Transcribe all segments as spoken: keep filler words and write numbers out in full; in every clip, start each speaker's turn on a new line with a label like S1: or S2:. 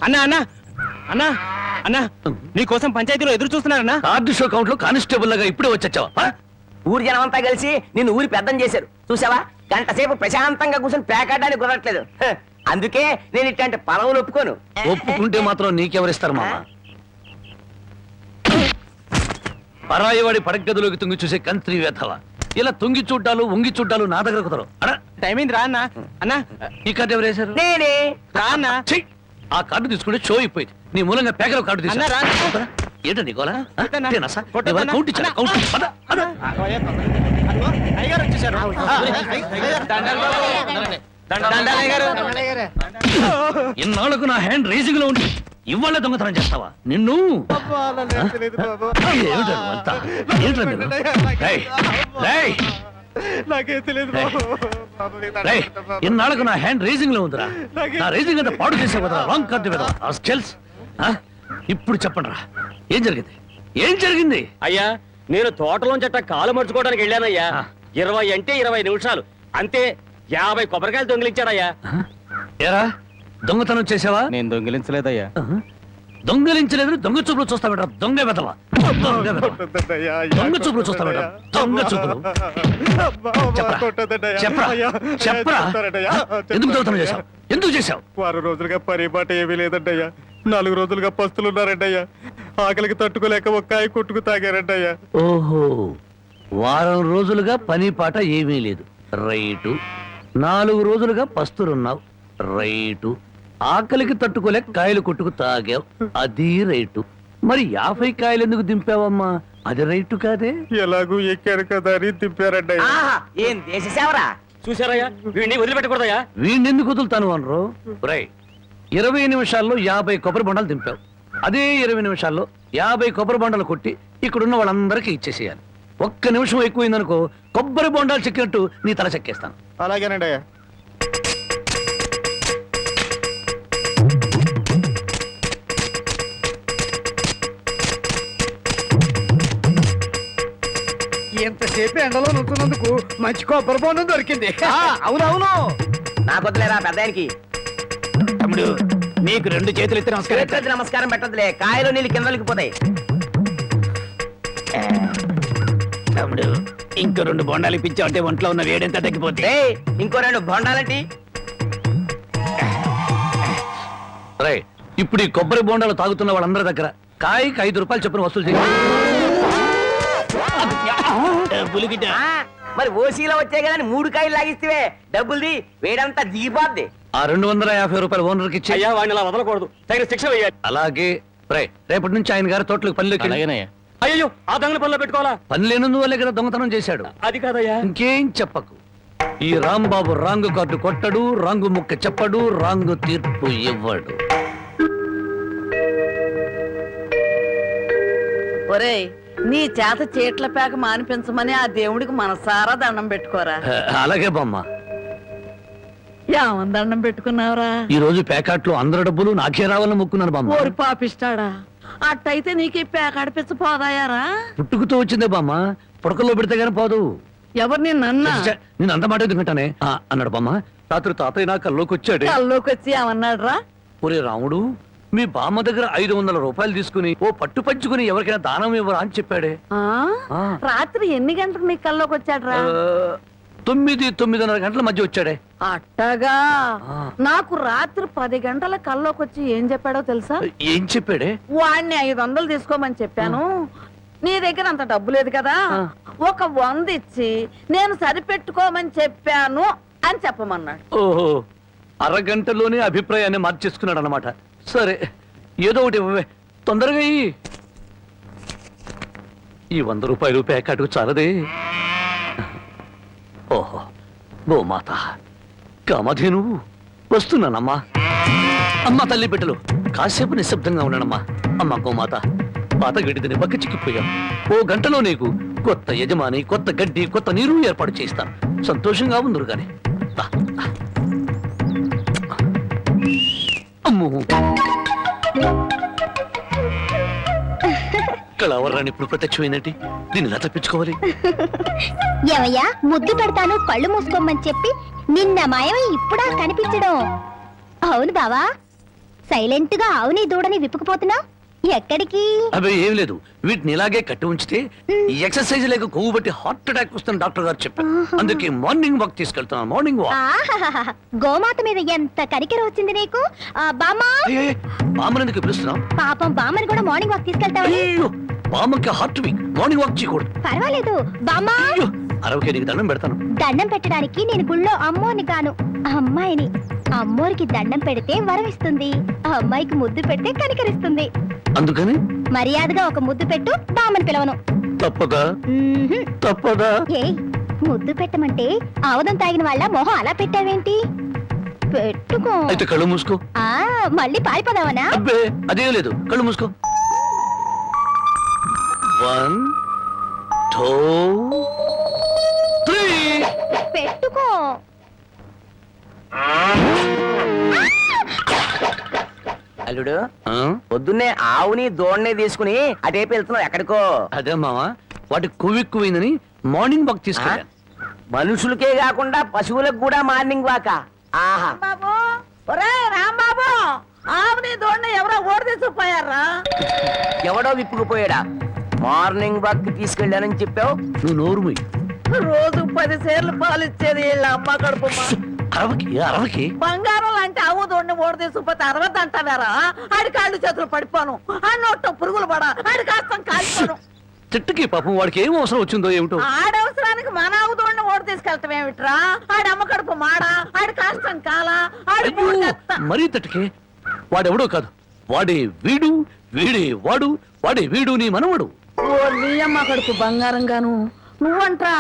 S1: అన్నా అన్నా అన్నా అన్నా నీకోసం పంచాయతీలో ఎదురు చూస్తున్నారన్నా.
S2: కార్డు షో కౌంట్ లో కానిస్టేబుల్ లాగా ఇప్పుడే వచ్చావా?
S3: ఊరి జనం అంతా కలిసి నిన్ను ఊరి పెద్దం చేశారు చూసావా? గంట సేపు ప్రశాంతంగా కూర్చొని పేకాడడానికి కుదరట్లేదు. హ, అందుకే నేను ఇట్లాంటి పలవులు ఒప్పుకోను.
S2: ఒప్పుకుంటే మాత్రం నీకెవరిస్తారు మామ? పరాయివాడి పడగదిలోకి తుంగి చూసే కంత్రి వేధవ. ఇలా తుంగి చూడ్డాలు ఉంగి చూడ్డాలు నా దగ్గర కుదరవు. అడా
S1: టైం అయింది రా అన్నా. అన్నా
S2: ఈ కార్డు ఎవరు వేశారు?
S3: నేనే.
S1: రా అన్నా.
S2: ఛీ! ఆ కార్డు తీసుకుంటే షో అయిపోయింది. నీ మూలంగా పేకలో కార్డు
S1: అన్నా, రా.
S2: తీసుకున్నా ఏంటండి గోలా?
S1: కొట్టన్నా.
S2: తేనా సార్?
S1: కొట్టన్నా.
S2: ఇవాళ కౌంట్ ఇచ్చారా? కౌంట్ ఇచ్చి- పద, పద.
S1: అయ్యగారు వచ్చేసారు. దండాలు అయ్యగారు.
S2: ఇన్నాళ్లకు నా హ్యాండ్ రేసింగ్ లో ఉండి ఇవాళ దొంగతనం చేస్తావా? నిన్ను ఏమిటో అంతా? ఏంటో మీరు? రేయ్, రేయ్, రేయ్, ఇన్నాళ్లకు నా హ్యాండ్ రేసింగ్ లో ఉందిరా. నా రేసింగ్ అంతా పాడు చేసే కదా రాంగ్ కార్డు మీద స్కెల్స్. ఇప్పుడు చెప్పండి రా, ఏం జరిగింది? ఏం జరిగింది?
S4: అయ్యా నేను తోటలోంచి అట్ట కాలు మర్చుకోవడానికి వెళ్ళానయ్యా. ఇరవై అంటే ఇరవై నిమిషాలు అంతే. యాభై కొబ్బరికాయలు దొంగిలించాడయ్యా.
S2: ఏరా దొంగతనం చేసావా?
S1: నేను దొంగిలించలేదయ్యా.
S2: దొంగలించలేదు. దొంగ చూపులు చూస్తా బెట. దొంగ వెదవా, దొంగ వెధవ. దొంగ చూపులు చూస్తా బెట. దొంగ చూపులు. చెప్పరా చెప్పరా చెప్పరా ఎందుకు దొంగతనం చేశావు? ఎందుకు చేశావు?
S5: వారం రోజులుగా పరిపాట ఏమీ లేదంటయ్యా. నాలుగు రోజులుగా పస్తులున్నారంటయ్యా. ఆకలికి తట్టుకోలేక ఒక్కాయ కొట్టుకు తాగారంటయ్యా.
S2: ఓహో, వారం రోజులుగా పని పాట ఏమీ లేదు. రైటు. నాలుగు రోజులుగా పస్తులున్నావు. రైటు. ఆకలికి తట్టుకోలేక కాయలు కొట్టుకు తాగావు. అది రైటు. మరి యాభై కాయలు ఎందుకు దింపావమ్మా? అది రైటు కాదే.
S5: ఎలాగూ ఎక్కారు కదా అని దింపారంటయ్యా.
S3: ఆహా, ఏం దేశ సేవరా?
S4: చూసారయ్యా వీడిని వదిలిపెట్టకూడదయ్యా.
S2: వీణెందుకు వదులుతాను అనరు? రై, ఇరవై నిమిషాల్లో యాభై కొబ్బరి బొండాలు దింపావు. అదే ఇరవై నిమిషాల్లో యాభై కొబ్బరి బొండాలు కొట్టి ఇక్కడున్న వాళ్ళందరికీ ఇచ్చేసేయాలి. ఒక్క నిమిషం ఎక్కువైందనుకో కొబ్బరి బొండాలు చెక్కినట్టు నీ తల చెక్కేస్తాను.
S5: అలాగేనండి అయ్యా.
S1: ఎంతసేపు ఎండలో నుంచున్నందుకు మంచి కొబ్బరి బొండం దొరికింది.
S3: అవునవును, నాకు వద్దులేరా పెద్ద ఆయనకి.
S1: తమ్ముడు నీకు రెండు చేతులు ఎత్తి నమస్కారం.
S3: చేతులెత్తి నమస్కారం పెట్టదులే, కాయలు నీళ్ళు కిందలకి పోతాయి.
S1: తమ్ముడు ఇంకో రెండు బొండాలు ఇప్పించావు అంటే ఒంట్లో ఉన్న వేడెంత తగ్గిపోతే.
S3: ఏయ్, ఇంకో రెండు బొండాలంటి.
S2: రై, ఇప్పుడు ఈ కొబ్బరి బొండాలు తాగుతున్న వాళ్ళందరి దగ్గర కాయకి ఐదు రూపాయలు చొప్పున వసూలు చేయాలి.
S1: పులిగిట
S3: ఆ, మరి ఓసీలో వచ్చే కదా మూడు కాయలు లాగిస్తే డబ్బుల్ది వేడంతా దిగిపోద్ది.
S2: ఆ రెండు వందల యాభై రూపాయలు ఓనర్కి ఇచ్చి.
S4: అయ్యా వాడిని అలా వదలకూడదు, తగిన శిక్ష వేయాలి.
S2: అలాగే. రై, రేపటి నుంచి ఆయన గారి తోటలకు పనిలోకి వెళ్ళు.
S4: అయ్యో ఆ దొంగల పనిలో పెట్టుకోవాలా?
S2: పని లేనందువల్లే కదా దొంగతనం చేశాడు.
S4: అది కాదయ్యా.
S2: ఇంకేం చెప్పకు. ఈ రాంబాబు రాంగు కార్డు కొట్టడు, రాంగు ముక్క చెప్పడు, రాంగు తీర్పు ఇవ్వడు.
S6: ఒరేయ్, నీ చేత చీట్ల పేక మానిపించమని ఆ దేవుడికి మనసారా దండం పెట్టుకోరా.
S2: ఆ, అలాగే బామ్మ.
S6: ఏమని దండం పెట్టుకున్నావురా?
S2: ఈ రోజు ప్యాకెట్లో అందరి డబ్బులు నాకే రావాలని మొక్కున్నాను బామ్మ.
S6: ఓరి పాపిస్తాడా, అట్టయితే నీకు ఈ పేక అడిపించ పోదాయారా?
S2: పుట్టుకుతో వచ్చిందే బామ్మ, పుడకల్లో పెడితే గానీ పోదు.
S6: ఎవరు నిన్నన్నా?
S2: ఛ, నేను అంత మాట ఎందుకంటానే ఆ, అన్నాడు బామ్మ. రాత్రి తాతయ్య నా కల్లోకి వచ్చాడు.
S6: కల్లోకి వచ్చి ఏమన్నాడు రా?
S2: ఒరే రాముడు, మీ బామ్మ దగ్గర ఐదు వందల రూపాయలు తీసుకుని ఓ పట్టు పంచుకుని ఎవరికైనా దానం ఇవ్వరా అని చెప్పాడే.
S6: ఆ?
S2: ఆ.
S6: రాత్రి ఎన్ని గంటలకు నీ కల్లోకి వచ్చాడు రా?
S2: ఆ, తొమ్మిది తొమ్మిదిన్నర గంటల మధ్య వచ్చాడే.
S6: అట్టగా.
S2: ఆ.
S6: నాకు రాత్రి పది గంటల కల్లోకి వచ్చి ఏం చెప్పాడో తెలుసా?
S2: ఏం చెప్పాడే?
S6: వాడిని ఐదు వందలు తీసుకోమని చెప్పాను. నీ దగ్గర అంత డబ్బు లేదు కదా, ఒక వంద ఇచ్చి నేను సరిపెట్టుకోమని చెప్పాను అని చెప్పమన్నాడు.
S2: ఓహో, అరగంటలోనే అభిప్రాయాన్ని మార్చేసుకున్నాడు అనమాట. సరే, ఏదో ఒకటి ఇవ్వవే, తొందరగా ఇయ్యి. ఈ వంద రూపాయలు ప్యాకెట్కు చాలదే. ఓహో, గోమాత కామధేను వస్తున్నానమ్మా. అమ్మా తల్లి బిడ్డలు కాసేపు నిశ్శబ్దంగా ఉన్నానమ్మా. అమ్మ గోమాత, పాత గడ్డిని బక్క చిక్కిపోయాం. ఓ గంటలో నీకు కొత్త యజమాని, కొత్త గడ్డి, కొత్త నీరు ఏర్పాటు చేస్తాను. సంతోషంగా ఉందరు గాని. దా, దా. అమ్మో, కళావరాన్ని ఇప్పుడు ప్రత్యక్షమైనట్టి దీన్ని ఎలా తప్పించుకోవాలి?
S7: ఏమయ్యా, ముద్దు పెడతాను కళ్ళు మూసుకోమని చెప్పి నిన్న మాయమై ఇప్పుడా కనిపించడం? అవును బావా, సైలెంట్ గా ఆవుని దూడని విప్పుకుపోతున్నా ఎక్కడికి?
S2: అబ్బాయి ఏం లేదు, వీటిని ఇలాగే కట్టి ఉంచితే ఈ ఎక్సర్సైజ్ లేక కొవ్వు బట్టి హార్ట్ అటాక్ వస్తుంది డాక్టర్ గారు చెప్పారు. అందుకే మార్నింగ్ వాక్ తీసుకెళ్తున్నాను. Morning walk.
S7: ఆహాహాహా. గోమాత మీద ఎంత కనికెర వచ్చింది నీకు. ఆ, బామ్మా,
S2: బామ్మని ఎందుకు పిలుస్తున్నాం?
S7: పాపం బామ్మని కూడా మార్నింగ్ వాక్ తీసుకెళ్తావని.
S2: అయ్యో, బామ్మకి హార్ట్ వీక్, మార్నింగ్ వాక్ చేయకూడదు.
S7: పర్వాలేదు బామ్మా,
S2: అయ్యో, అరవకే నీకు దండం పెడతాను.
S7: దండం పెట్టడానికి నేను గుళ్ళో అమ్మోని కాను, అమ్మాయిని. అమ్మోరికి దండం పెడితే వరం ఇస్తుంది, ఆ అమ్మాయికి ముద్దు పెడితే కనికరిస్తుంది.
S2: అందుకని
S7: మర్యాదగా ఒక ముద్దు పెట్టు, బామ్మని పిలవను.
S2: తప్పదా?
S7: మ్మ్హ్మ్.
S2: తప్పదా?
S7: ఏయ్, ముద్దు పెట్టమంటే ఆవదం తాగిన వాళ్ళ మొహం అలా పెట్టావేంటి? పెట్టుకో.
S2: అయితే కళ్ళు మూసుకో.
S7: ఆ, మళ్ళీ పారిపోదావనా?
S2: అబ్బే అదేం లేదు, కళ్ళు మూసుకో. One two three.
S7: పెట్టుకో.
S3: అల్లుడు,
S2: ఆ?
S3: పొద్దున్నే ఆవుని దూడని తీసుకుని అటేపు వెళ్తున్నావు ఎక్కడికో?
S2: అదే మావా, వాటి కొవ్వెక్కువైందని మార్నింగ్ వాక్ తీసుకెళ్ళాను.
S3: మనుషులకే కాకుండా పశువులకు కూడా మార్నింగ్ వాక. ఆహా,
S6: బాబు, ఒరే రాంబాబు, ఆవుని దోడిని ఎవరో ఓడి తీసుకుపోయారా?
S3: ఎవడో విప్పుకుపోయాడా? మార్నింగ్ వాక్ తీసుకెళ్ళానని చెప్పావు.
S2: నువ్వు నోరు మూయి.
S6: రోజు పది సేర్లు పాలు ఇచ్చేది వీళ్ళ అమ్మ కడుపు
S2: అరవకి అరవకి.
S6: బంగారం లాంటి ఆవు దోడిని ఓడి తీసుకుపోతే అరవద్దు అంటావారా? ఆడి కాళ్ళు చేతులు పడిపోను, ఆ నోట్లో పురుగులు పడ, ఆడి కాస్తం కాలిపోను.
S2: చెట్టుకి పాపం వాడికి ఏం అవసరం వచ్చిందో ఏమిటో.
S6: ఆడవసరానికి మన ఆవు దోడిని ఓడి తీసుకెళ్తాం ఏమిట్రా? ఆడి అమ్మ కడుపు మాడ, ఆడి కాస్తం కాల, ఆడి
S2: అయ్యో,
S6: మూడెత్త.
S2: మరీ తట్టుకే. వాడెవడో కాదు, వాడే వీడు, వీడే వాడు, వాడే వీడు నీ మనవడు.
S6: ఓ నీ అమ్మ కడుపు బంగారం గాను నువ్వంట్రా?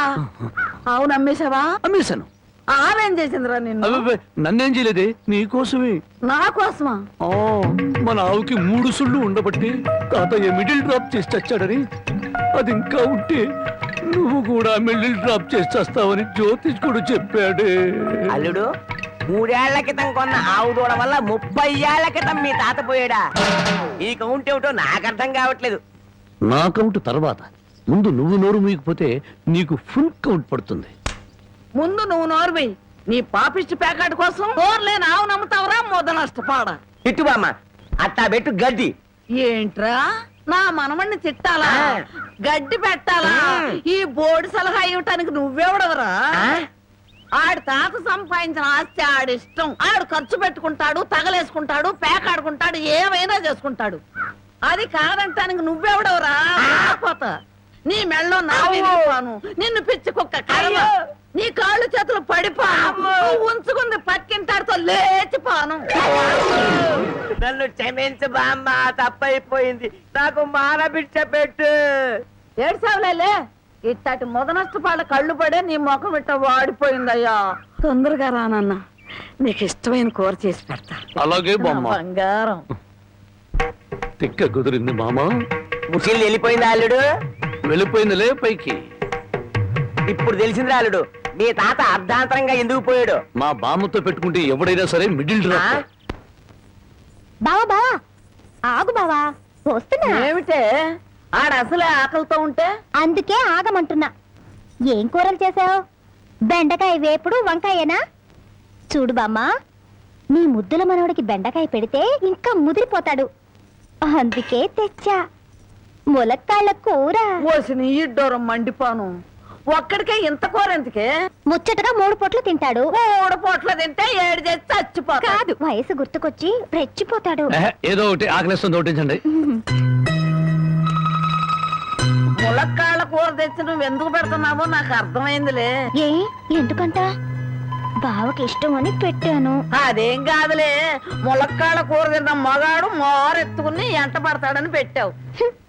S6: ఆవు నమ్మేశావా?
S2: అమ్మేశాను.
S6: ఆవేం చేసిందిరా నిన్ను?
S2: అబ్బే, నన్నేం చేయలేదే, నీకోసమే.
S6: నా కోసమా?
S2: ఆ, మన ఆవుకి మూడు సుళ్ళు ఉండబట్టి తాతయ్య మిడిల్ డ్రాప్ చేసి చచ్చాడని, అది ఇంకా ఉంటే నువ్వు కూడా మిడిల్ డ్రాప్ చేసి చేస్తావని జ్యోతిష్కుడు చెప్పాడే.
S3: అల్లుడు, మూడేళ్ల క్రితం కొన్న ఆవు దూడ వల్ల ముప్పై ఏళ్ల క్రితం మీ తాత పోయాడా? ఈ కౌంట్ ఏమిటో నాకు అర్థం కావట్లేదు.
S2: నా కౌంట్ తర్వాత, ముందు నువ్వు నోరు మూయకపోతే నీకు ఫుల్ కౌంట్ పడుతుంది.
S6: ముందు నువ్వు నోర్వి. నీ పాపిష్టి ప్యాకెట్ కోసం నోర్లేని ఆవు నమ్ముతావరా? మొద నష్టపాడ.
S3: ఇట్టు బామ్మ, అట్టా పెట్టు గడ్డి.
S6: ఏంట్రా, నా మనమణ్ణి తిట్టాలా?
S3: ఆ.
S6: గడ్డి పెట్టాలా? ఈ బోర్డు సలహా ఇవ్వటానికి నువ్వెవడవరా?
S3: ఆ?
S6: ఆడి తాత సంపాదించిన ఆస్తి ఆడిష్టం. ఆడు ఖర్చు పెట్టుకుంటాడు, తగలేసుకుంటాడు, పేకాడుకుంటాడు, ఏమైనా చేసుకుంటాడు. అది కాదంటానికి నువ్వెవడవరా? పోత నీ మెళ్ళో నా విరిగిపోను, నిన్ను పిచ్చి కుక్క కర్మ. నీ కాళ్ళు చేతులు పడిపోను, నువ్వు ఉంచుకుంది పక్కింటాడుతో లేచిపోను.
S3: నన్ను క్షమించు బామ్మ, తప్పైపోయింది. నాకు మానబిడ్డ పెట్టు.
S6: ఏడ్సావులేలే, ఇట్టటి మొద నష్టపాళ్ళ కళ్ళు పడే నీ ముఖం ఇట్ట వాడిపోయిందయ్యా. తొందరగా రానన్నా, నీకు ఇష్టమైన కూర చేసి పెడతా.
S2: అలాగే
S6: నా
S2: బామ్మ.
S6: బంగారం.
S2: తిక్క కుదిరింది మామా.
S3: ముసిల్ వెళ్ళిపోయింది అల్లుడు.
S2: వెళ్ళిపోయిందిలే పైకి.
S3: ఇప్పుడు తెలిసింది అల్లుడు, మీ తాత అర్ధాంతరంగా ఎందుకు పోయాడు.
S2: మా బామ్మతో పెట్టుకుంటే ఎవడైనా సరే మిడిల్
S3: ఆ?
S2: డ్రాప్.
S7: బావా బావా, ఆగు బావా, వస్తున్నా.
S6: ఏమిటే ఆడ అసలే ఆకలితో ఉంటే?
S7: అందుకే ఆగమంటున్నా. ఏం కూరలు చేసావు? బెండకాయ వేపుడు, వంకాయేనా? చూడు బామ్మా, నీ ముద్దుల మనవడికి బెండకాయ పెడితే ఇంకా ముదిరిపోతాడు, అందుకే తెచ్చా ములక్కాళ్ళ కూర.
S6: ఓసి నీ ఇడ్డోరం మండిపోను. ఒక్కడికే ఇంత కూర ఎందుకే?
S7: ముచ్చటగా మూడు పొట్లు తింటాడు.
S6: మూడు పూట్ల తింటే ఏడు చేసి చచ్చిపోతా.
S7: కాదు, వయసు గుర్తుకొచ్చి రెచ్చిపోతాడు.
S2: ఏహే, ఏదో ఒకటి ఆకలిస్తుంది ఒకటించండి.
S6: ములక్కాళ్ళ కూర తెచ్చి నువ్వు ఎందుకు పెడుతున్నావో నాకు అర్థమైందిలే.
S7: ఏ ఎందుకంట? బావకి ఇష్టం అని పెట్టాను.
S6: అదేం కాదులే, ములక్కాళ్ళ కూర తిన్న మగాడు మోరెత్తుకుని ఎంట పడతాడని పెట్టావు.
S7: హ్మ్,